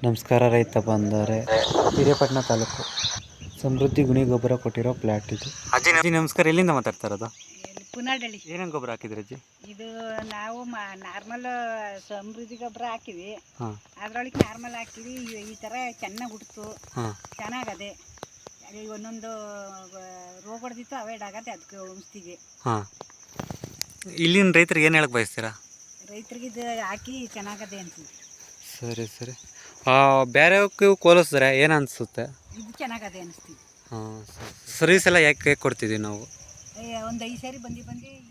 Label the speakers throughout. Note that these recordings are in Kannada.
Speaker 1: ನಮಸ್ಕಾರ ರೈತ ಬಂದರೆ ಹಿರೇಪಟ್ಟಣ ತಾಲೂಕು ಸಮೃದ್ಧಿ ಗುಣಿ ಗೊಬ್ಬರ ಕೊಟ್ಟಿರೋ ಪ್ಲಾಟ್ ಇದು. ಅಜ್ಜಿ ನಮಸ್ಕಾರ, ಎಲ್ಲಿಂದ ಮಾತಾಡ್ತಾ ಇರೋದು?
Speaker 2: ಪುನಾಡಳ್ಳಿ.
Speaker 1: ಏನೇನು ಗೊಬ್ಬರ ಹಾಕಿದ್ರಿ ಅಜ್ಜಿ?
Speaker 2: ಇದು ನಾವು ನಾರ್ಮಲ್ ಸಮೃದ್ಧಿ ಗೊಬ್ಬರ ಹಾಕಿವಿ. ಅದ್ರೊಳಗೆ ನಾರ್ಮಲ್ ಹಾಕಿವಿ. ಈ ಥರ ಚೆನ್ನಾಗಿ ಹುಡ್ತು, ಚೆನ್ನಾಗದೆ. ಒಂದೊಂದು ರೋಗ ಹೊಡೆದಿತ್ತು, ಅವಾಯ್ಡ್ ಆಗತ್ತೆ. ಅದಕ್ಕೆ ಔಷಧಿಗೆ
Speaker 1: ಇಲ್ಲಿನ ರೈತರಿಗೆ ಏನು ಹೇಳಕ್ಕೆ ಬಯಸ್ತೀರಾ?
Speaker 2: ರೈತರಿಗೆ ಇದು ಹಾಕಿ ಚೆನ್ನಾಗದೆ ಅಂತೀವಿ.
Speaker 1: ಸರಿ ಸರಿ. ಬೇರೆಯವಕ್ಕೂ ಹೋಲಿಸಿದ್ರೆ ಏನು ಅನಿಸುತ್ತೆ?
Speaker 2: ಇದು ಚೆನ್ನಾಗದೆ ಅನಿಸ್ತೀವಿ.
Speaker 1: ಸರ್ವಿಸ್ ಎಲ್ಲ ಯಾಕೆ ಕೊಡ್ತಿದ್ದೀವಿ ನಾವು?
Speaker 2: ಒಂದು 5 ಸಾರಿ ಬಂದು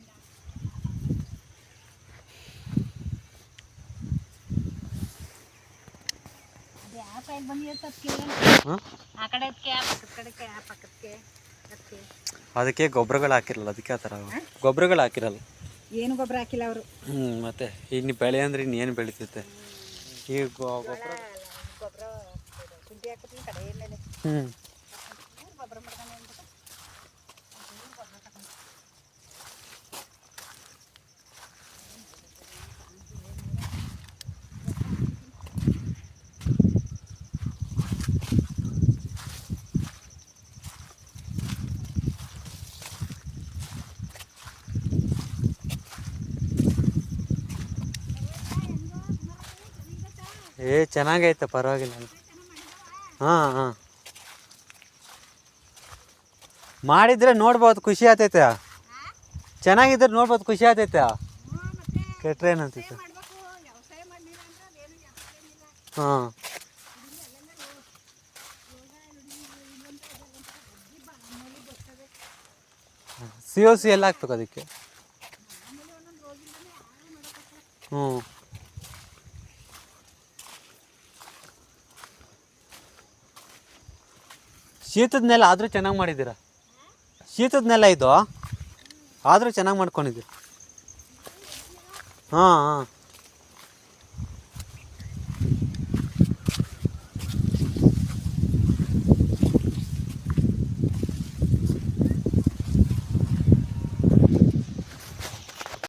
Speaker 1: ಅದಕ್ಕೆ ಗೊಬ್ಬರಗಳು ಹಾಕಿರಲ್ಲ, ಅದಕ್ಕೆ ಆ ಥರ ಗೊಬ್ಬರಗಳು ಹಾಕಿರಲ್ಲ.
Speaker 2: ಏನು ಗೊಬ್ಬರ ಹಾಕಿಲ್ಲ ಅವರು.
Speaker 1: ಮತ್ತೆ ಇನ್ನು ಬೆಳೆ ಅಂದರೆ ಇನ್ನೇನು ಬೆಳೀತೈತೆ ಈ ಗೊಬ್ಬರ. ಚೆನ್ನಾಗೈತೆ, ಪರವಾಗಿಲ್ಲ. ಹಾಂ ಮಾಡಿದ್ರೆ ನೋಡ್ಬೋದು, ಖುಷಿ ಆಗ್ತೈತೆ. ಚೆನ್ನಾಗಿದ್ರೆ ನೋಡ್ಬೋದು, ಖುಷಿ ಆಗ್ತೈತೆ. ಕೆಟ್ರೆ ಏನಂತೈತೆ? ಹಾಂ COC ಎಲ್ಲ ಹಾಕ್ಬೇಕು ಅದಕ್ಕೆ. ಶೀತದ ನೆಲ ಆದರೂ ಚೆನ್ನಾಗಿ ಮಾಡಿದ್ದೀರಾ. ಶೀತದ ನೆಲ ಇದು ಆದರೂ ಚೆನ್ನಾಗಿ ಮಾಡ್ಕೊಂಡಿದ್ದೀರಿ. ಹಾಂ